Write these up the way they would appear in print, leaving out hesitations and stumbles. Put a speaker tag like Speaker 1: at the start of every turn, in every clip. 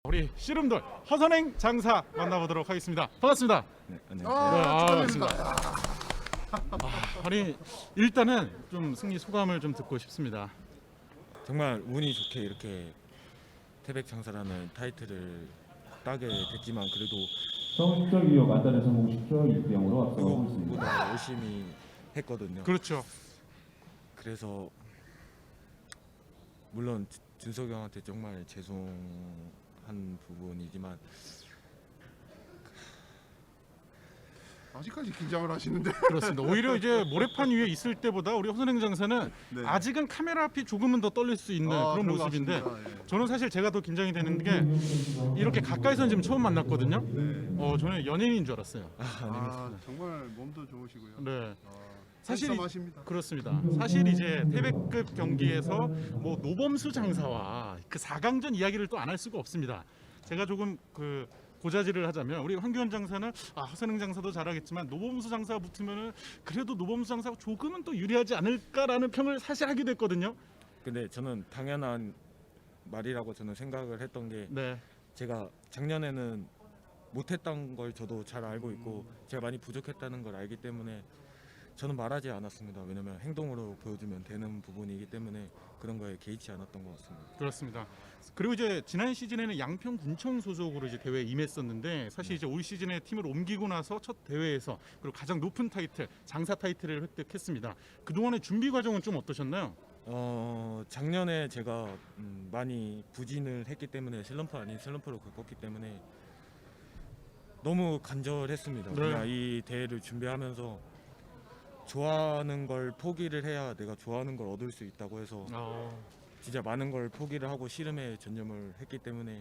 Speaker 1: 우리 씨름돌 허선행 장사 만나보도록 하겠습니다. 반갑습니다.
Speaker 2: 네, 안녕하세요.
Speaker 1: 반갑습니다. 아니 일단은 좀 승리 소감을 좀 듣고 싶습니다.
Speaker 2: 정말 운이 좋게 이렇게 태백 장사라는 타이틀을 따게 됐지만 그래도
Speaker 3: 처음 10절 이어 만단에 성공 10절 6대 0으로 앞서가고 있습니다.
Speaker 2: 그것보다 열심히 했거든요.
Speaker 1: 그렇죠.
Speaker 2: 그래서 물론 준석이 형한테 정말 죄송한 부분이지만
Speaker 4: 아직까지 긴장을 하시는데.
Speaker 1: 그렇습니다. 오히려 이제 모래판 위에 있을 때보다 우리 허선행 장사는
Speaker 4: 네.
Speaker 1: 아직은 카메라 앞이 조금은 더 떨릴 수 있는 그런
Speaker 4: 그런 것
Speaker 1: 모습인데
Speaker 4: 같습니다. 예.
Speaker 1: 저는 사실 제가 더 긴장이 되는 게 이렇게 가까이서는 지금 처음 만났거든요.
Speaker 4: 네.
Speaker 1: 저는 연예인인 줄 알았어요.
Speaker 4: 정말 몸도 좋으시고요.
Speaker 1: 네.
Speaker 4: 사실
Speaker 1: 사실
Speaker 4: 하십니다.
Speaker 1: 그렇습니다. 사실 이제 태백급 경기에서 뭐 노범수 장사와 그 4강전 이야기를 또 안 할 수가 없습니다. 제가 조금 그 고자질을 하자면 우리 황교안 장사는 허선행 장사도 잘하겠지만 노범수 장사가 붙으면은 그래도 노범수 장사가 조금은 또 유리하지 않을까라는 평을 사실 하기도 했거든요.
Speaker 2: 근데 저는 당연한 말이라고 저는 생각을 했던 게
Speaker 1: 네.
Speaker 2: 제가 작년에는 못했던 걸 저도 잘 알고 있고 제가 많이 부족했다는 걸 알기 때문에 저는 말하지 않았습니다. 왜냐면 행동으로 보여주면 되는 부분이기 때문에 그런 거에 개의치 않았던 것 같습니다.
Speaker 1: 그렇습니다. 그리고 이제 지난 시즌에는 양평 군청 소속으로 이제 대회에 임했었는데 사실 이제 올 시즌에 팀을 옮기고 나서 첫 대회에서 그리고 가장 높은 타이틀 장사 타이틀을 획득했습니다. 그 동안의 준비 과정은 좀 어떠셨나요?
Speaker 2: 작년에 제가 많이 부진을 했기 때문에 슬럼프 아닌 슬럼프를 겪었기 때문에 너무 간절했습니다.
Speaker 1: 네.
Speaker 2: 그냥 이 대회를 준비하면서 좋아하는 걸 포기를 해야 내가 좋아하는 걸 얻을 수 있다고 해서 진짜 많은 걸 포기를 하고 씨름에 전념을 했기 때문에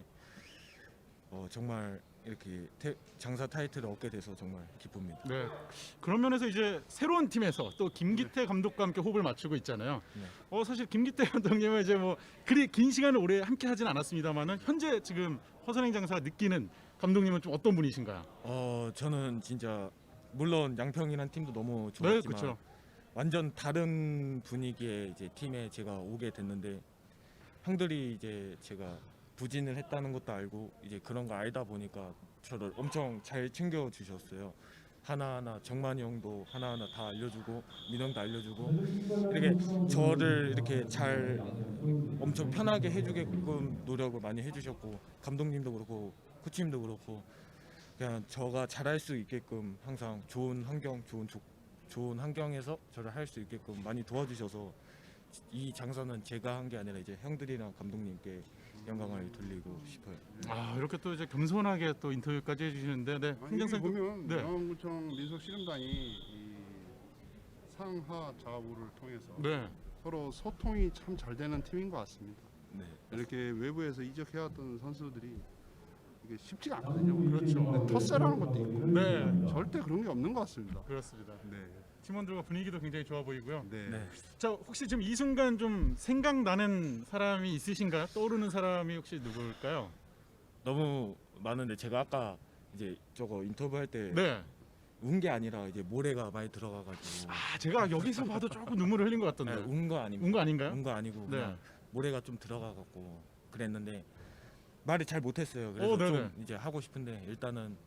Speaker 2: 정말 이렇게 장사 타이틀을 얻게 돼서 정말 기쁩니다.
Speaker 1: 네. 그런 면에서 이제 새로운 팀에서 또 김기태 감독과 함께 호흡을 맞추고 있잖아요.
Speaker 2: 네.
Speaker 1: 사실 김기태 감독님은 이제 뭐 그리 긴 시간을 오래 함께 하진 않았습니다만은 현재 지금 허선행 장사가 느끼는 감독님은 좀 어떤 분이신가요?
Speaker 2: 저는 진짜 물론 양평이란 팀도 너무
Speaker 1: 네,
Speaker 2: 좋았지만
Speaker 1: 그렇죠.
Speaker 2: 완전 다른 분위기의 이제 팀에 제가 오게 됐는데 형들이 이제 제가 부진을 했다는 것도 알고 이제 그런 거 알다 보니까 저를 엄청 잘 챙겨 주셨어요. 하나하나 정만이 형도 하나하나 다 알려주고 민영도 알려주고 이렇게 저를 이렇게 잘 엄청 편하게 해주게끔 노력을 많이 해주셨고 감독님도 그렇고 코치님도 그렇고 그냥 저가 잘할 수 있게끔 항상 좋은 환경, 좋은 환경에서 저를 할 수 있게끔 많이 도와주셔서 이 장사는 제가 한 게 아니라 이제 형들이랑 감독님께 영광을 돌리고 싶어요.
Speaker 1: 이렇게 또 이제 겸손하게 또 인터뷰까지 해주시는데, 네.
Speaker 4: 아니, 여기 보면
Speaker 1: 네.
Speaker 4: 영암구청 민속씨름단이 이 상하 좌우를 통해서
Speaker 1: 네.
Speaker 4: 서로 소통이 참 잘 되는 팀인 것 같습니다.
Speaker 2: 네.
Speaker 4: 이렇게 외부에서 이적해왔던 선수들이 이게 쉽지가 않거든요.
Speaker 1: 그렇죠.
Speaker 4: 터세라는 것도 있고
Speaker 1: 네.
Speaker 4: 절대 그런 게 없는 것 같습니다.
Speaker 1: 그렇습니다.
Speaker 4: 네.
Speaker 1: 팀원들과 분위기도 굉장히 좋아 보이고요.
Speaker 4: 네.
Speaker 2: 네.
Speaker 1: 자, 혹시 지금 이 순간 좀 생각나는 사람이 있으신가요? 떠오르는 사람이 혹시 누구일까요?
Speaker 2: 너무 많은데 제가 아까 이제 저거 인터뷰할 때
Speaker 1: 네.
Speaker 2: 운 게 아니라 이제 모래가 많이 들어가가지고
Speaker 1: 제가 여기서 봐도 조금 눈물을 흘린 것 같던데.
Speaker 2: 운 거 아닙니다.
Speaker 1: 운 거 아닌가요?
Speaker 2: 운 거 아니고
Speaker 1: 네.
Speaker 2: 그냥 모래가 좀 들어가갖고 그랬는데 말을 잘 못했어요. 그래서
Speaker 1: 네네.
Speaker 2: 좀 이제 하고 싶은데 일단은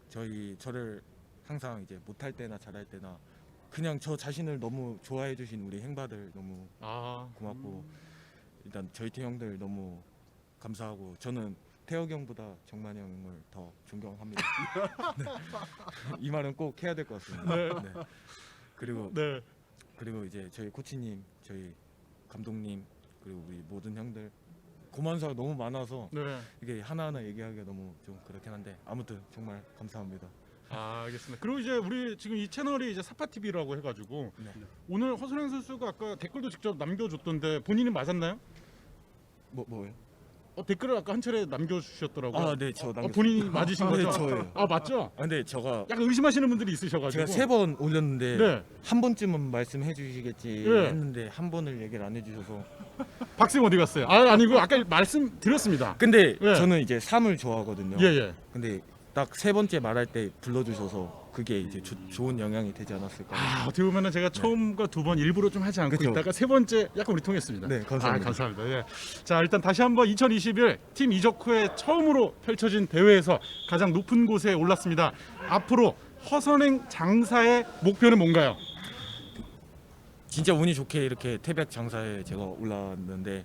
Speaker 2: 저를 항상 이제 못할 때나 잘할 때나 그냥 저 자신을 너무 좋아해 주신 우리 행바들 너무 고맙고 일단 저희 팀 형들 너무 감사하고 저는 태혁이 형보다 정만이 형을 더 존경합니다. 네. 이 말은 꼭 해야 될 것 같습니다.
Speaker 1: 네.
Speaker 2: 네. 그리고
Speaker 1: 네.
Speaker 2: 이제 저희 코치님, 저희 감독님 그리고 우리 모든 형들 고만사가 너무 많아서
Speaker 1: 네.
Speaker 2: 이게 하나하나 얘기하기가 너무 좀 그렇긴 한데 아무튼 정말 감사합니다.
Speaker 1: 알겠습니다. 그리고 이제 우리 지금 이 채널이 이제 사파 TV라고 해가지고
Speaker 2: 네.
Speaker 1: 오늘 허선행 선수가 아까 댓글도 직접 남겨줬던데 본인이 맞았나요?
Speaker 2: 뭐예요?
Speaker 1: 댓글을 아까 한 차례 남겨주셨더라고요.
Speaker 2: 네, 저 남겼어요.
Speaker 1: 본인이 맞으신 거죠?
Speaker 2: 네, 저예요.
Speaker 1: 맞죠?
Speaker 2: 근데 제가
Speaker 1: 의심하시는 분들이 있으셔가지고.
Speaker 2: 제가 3번 올렸는데
Speaker 1: 네.
Speaker 2: 한 번쯤은 말씀해 주시겠지
Speaker 1: 네.
Speaker 2: 했는데 한 번을 얘기를 안 해주셔서
Speaker 1: 박쌤 어디 갔어요? 아니고 아까 말씀드렸습니다.
Speaker 2: 근데
Speaker 1: 네.
Speaker 2: 저는 이제 3을 좋아하거든요.
Speaker 1: 예예.
Speaker 2: 근데 딱 3번째 말할 때 불러주셔서 그게 이제 좋은 영향이 되지 않았을까.
Speaker 1: 어떻게 보면은 제가 처음과 두 번 일부러 좀 하지 않고
Speaker 2: 그쵸.
Speaker 1: 있다가 세 번째 약간 우리 통했습니다.
Speaker 2: 네, 감사합니다.
Speaker 1: 감사합니다. 예. 자, 일단 다시 한번 2021 팀 이적 후에 처음으로 펼쳐진 대회에서 가장 높은 곳에 올랐습니다. 앞으로 허선행 장사의 목표는 뭔가요?
Speaker 2: 진짜 운이 좋게 이렇게 태백 장사에 제가 올라왔는데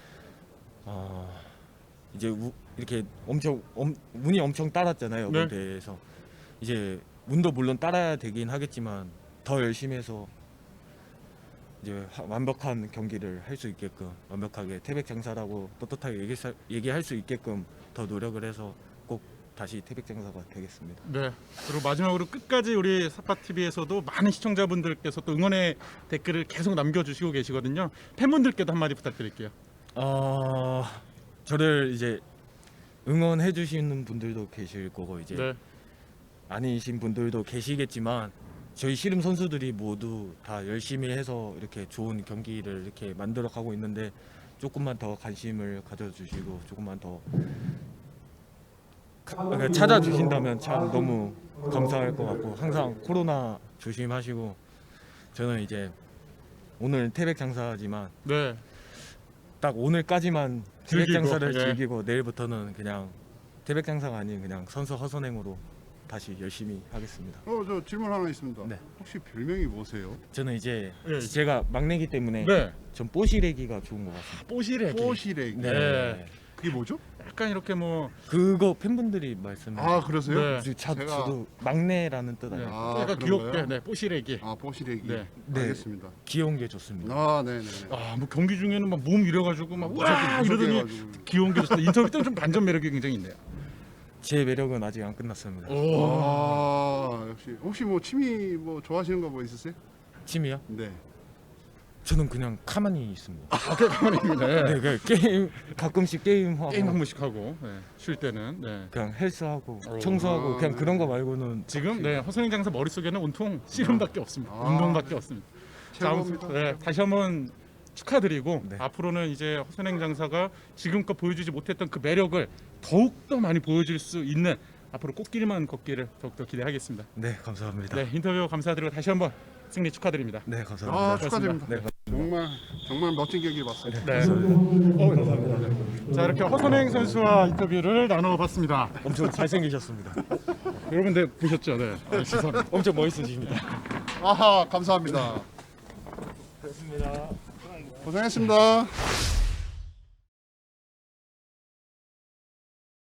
Speaker 2: 이제 이렇게 운이 엄청 따랐잖아요.
Speaker 1: 네.
Speaker 2: 그 대회에서 이제 운도 물론 따라야 되긴 하겠지만 더 열심히 해서 이제 완벽한 경기를 할 수 있게끔 완벽하게 태백 장사라고 떳떳하게 얘기할 수 있게끔 더 노력을 해서 꼭 다시 태백 장사가 되겠습니다.
Speaker 1: 네. 그리고 마지막으로 끝까지 우리 사파TV에서도 많은 시청자분들께서 또 응원의 댓글을 계속 남겨주시고 계시거든요. 팬분들께도 한마디 부탁드릴게요.
Speaker 2: 저를 이제 응원해 주시는 분들도 계실 거고 이제
Speaker 1: 네.
Speaker 2: 아니신 분들도 계시겠지만 저희 씨름 선수들이 모두 다 열심히 해서 이렇게 좋은 경기를 이렇게 만들어 가고 있는데 조금만 더 관심을 가져주시고 조금만 더 그러니까 찾아주신다면 참 너무 감사할 것 같고 항상 코로나 조심하시고 저는 이제 오늘 태백 장사지만
Speaker 1: 네.
Speaker 2: 딱 오늘까지만 태백
Speaker 1: 즐기고,
Speaker 2: 장사를
Speaker 1: 예.
Speaker 2: 즐기고 내일부터는 그냥 태백 장사가 아닌 그냥 선수 허선행으로 다시 열심히 하겠습니다.
Speaker 4: 저 질문 하나 있습니다.
Speaker 2: 네.
Speaker 4: 혹시 별명이 뭐세요?
Speaker 2: 저는 이제
Speaker 1: 예.
Speaker 2: 제가 막내기 때문에
Speaker 1: 네.
Speaker 2: 전 뽀시래기가 좋은 것 같습니다.
Speaker 1: 뽀시래기.
Speaker 4: 뽀시래기.
Speaker 1: 네.
Speaker 4: 그게 뭐죠?
Speaker 1: 약간 이렇게 뭐
Speaker 2: 그거 팬분들이 말씀해.
Speaker 4: 그러세요?
Speaker 1: 네.
Speaker 2: 저도 막내라는 뜻 아니에요.
Speaker 1: 약간
Speaker 4: 그런
Speaker 1: 귀엽게
Speaker 4: 거예요?
Speaker 1: 네, 뽀시래기.
Speaker 4: 뽀시래기.
Speaker 1: 네.
Speaker 2: 네.
Speaker 4: 알겠습니다.
Speaker 2: 귀여운 게 좋습니다.
Speaker 4: 네네.
Speaker 1: 뭐 경기 중에는 막 몸 이래가지고 막 와 이러더니
Speaker 4: 무섭게
Speaker 1: 귀여운 게 좋습니다. 인터뷰 때는 좀 반전 매력이 굉장히 있네요.
Speaker 2: 제 매력은 아직 안 끝났습니다.
Speaker 4: 역시 혹시 뭐 취미 뭐 좋아하시는 거 뭐 있으세요?
Speaker 2: 취미요?
Speaker 4: 네.
Speaker 2: 저는 그냥 가만히 있습니다.
Speaker 1: 가만히 있네.
Speaker 2: 네, 그냥 게임 가끔씩 게임하고
Speaker 1: 게임 한 번씩 하고 쉴 때는
Speaker 2: 그냥 헬스하고
Speaker 1: 오.
Speaker 2: 청소하고 그냥
Speaker 4: 네.
Speaker 2: 그런 거 말고는
Speaker 1: 지금 허선행 장사 머릿속에는 온통 씨름밖에 없습니다.
Speaker 4: 아.
Speaker 1: 운동밖에 없습니다. 자, 아무튼,
Speaker 4: 최고입니다.
Speaker 1: 다시 한번 축하드리고
Speaker 2: 네.
Speaker 1: 앞으로는 이제 허선행 장사가 지금껏 보여주지 못했던 그 매력을 더욱더 많이 보여줄 수 있는 앞으로 꽃길만 걷기를 더욱더 기대하겠습니다.
Speaker 2: 네, 감사합니다.
Speaker 1: 네, 인터뷰 감사드리고 다시 한번 승리 축하드립니다.
Speaker 2: 네, 감사합니다.
Speaker 4: 축하드립니다.
Speaker 2: 네,
Speaker 4: 정말 멋진 경기 봤습니다.
Speaker 1: 네. 감사합니다. 자, 이렇게 허선행 선수와 인터뷰를 나눠봤습니다.
Speaker 2: 엄청 잘생기셨습니다.
Speaker 1: 여러분들 보셨죠? 네. 시선.
Speaker 2: 엄청 멋있으십니다.
Speaker 4: 감사합니다. 고생했습니다.